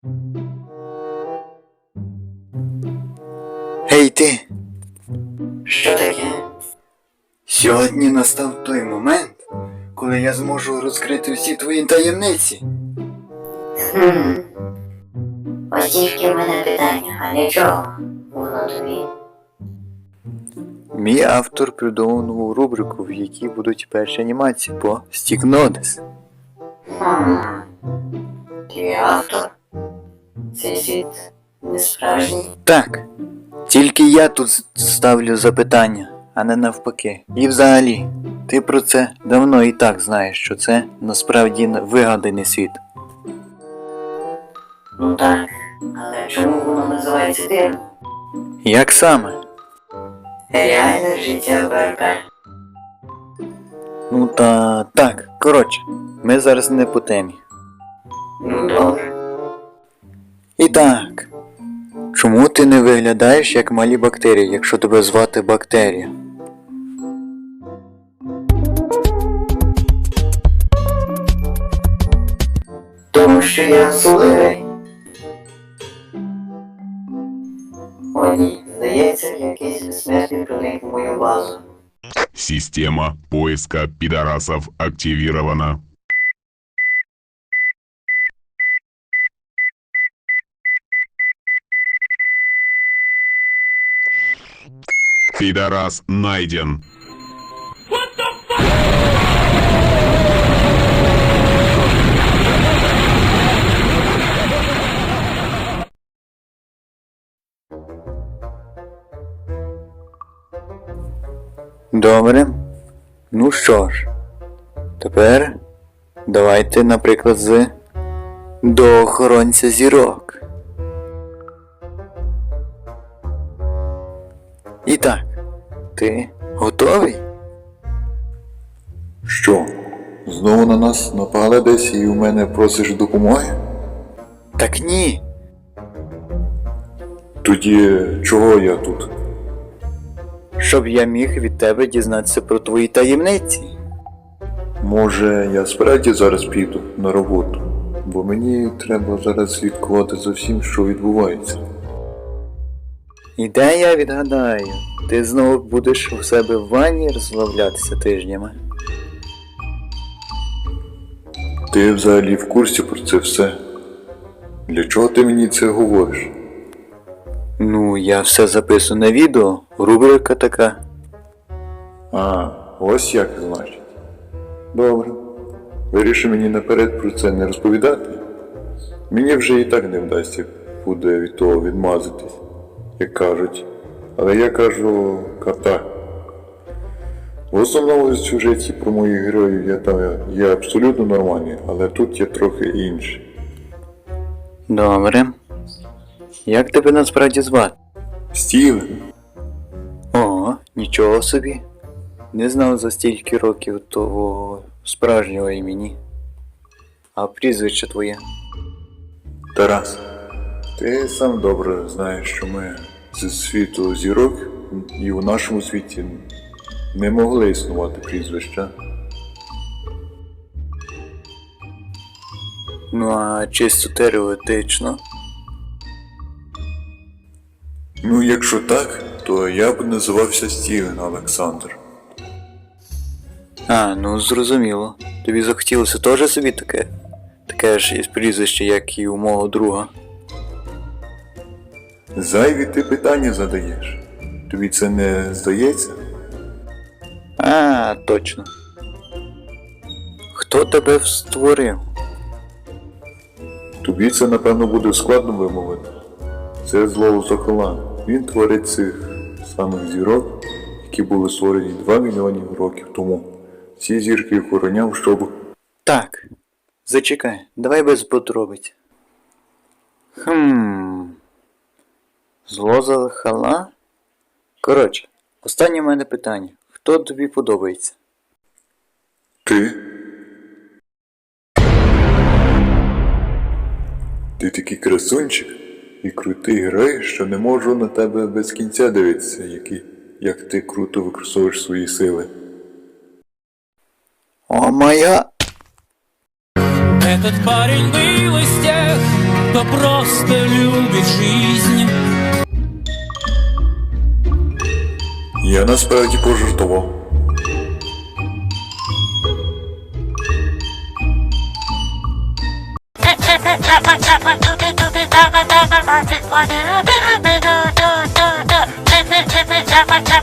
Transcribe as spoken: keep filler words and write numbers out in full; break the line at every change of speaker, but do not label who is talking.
Гей ти!
Що таке?
Сьогодні настав той момент, коли я зможу розкрити всі твої таємниці.
Хм. Ось тільки в мене питання, а нічого. Воно тобі.
Мій автор придумав нову рубрику, в якій будуть перші анімації по Стікнодес.
Хм. Ти автор? Цей світ не справжній.
Так, тільки я тут ставлю запитання, а не навпаки. І взагалі, ти про це давно і так знаєш, що це насправді вигаданий світ.
Ну так, але чому воно називається дивом?
Як саме?
Реальне життя ВРП.
Ну та так, коротше, ми зараз не по темі.
Ну добре.
І так, чому ти не виглядаєш як малі бактерії, якщо тебе звати Бактерія?
Тому що я особливий. О ні, здається, якийсь безсмертний проник в мою базу.
Система поиска пидорасов активирована. Пидорас найден.
Добре. Ну що ж, тепер давайте, наприклад, з до охоронця зірок. І так, ти готовий?
Що? Знову на нас напали десь і у мене просиш допомоги?
Так ні.
Тоді чого я тут?
Щоб я міг від тебе дізнатися про твої таємниці.
Може, я справді зараз піду на роботу, бо мені треба зараз слідкувати за всім, що відбувається.
І де я відгадаю, ти знову будеш у себе в ванні розслаблятися тижнями.
Ти взагалі в курсі про це все? Для чого ти мені це говориш?
Ну, я все записую на відео, рубрика така.
А, ось як значить. Добре. Вирішив мені наперед про це не розповідати. Мені вже і так не вдасться буде від того відмазатись, як кажуть. Але я кажу карта. В основному в сюжеті про моїх героїв я там є абсолютно нормальний, але тут є трохи інший.
Добре. Як тебе насправді звати?
Стівен.
Ого, нічого собі. Не знав за стільки років того справжнього імені. А прізвище твоє?
Тарас. Ти сам добре знаєш, що ми зі світу зірок і у нашому світі не могли існувати прізвища.
Ну а чисто теоретично?
Ну, якщо так, то я б називався Стівен Олександр.
А, ну зрозуміло. Тобі захотілося теж собі таке? Таке ж із прізвище, як і у мого друга.
Зайві ти питання задаєш. Тобі це не здається?
А, точно. Хто тебе створив?
Тобі це, напевно, буде складно вимовити. Це Зло Сокола. Він творить цих самих зірок, які були створені два мільйони років тому. Ці зірки охороняв, щоб...
Так, зачекай, давай без подробиць. Хм. Зло Сокола? Коротше, останнє в мене питання. Хто тобі подобається?
Ти? Ти такий красунчик і крутий герой, що не можу на тебе без кінця дивитися, які, як ти круто використовуєш свої сили.
О моя!
Этот парень был из тех, кто просто любит жизнь.
Я насправді пожартував.
Chapa chapa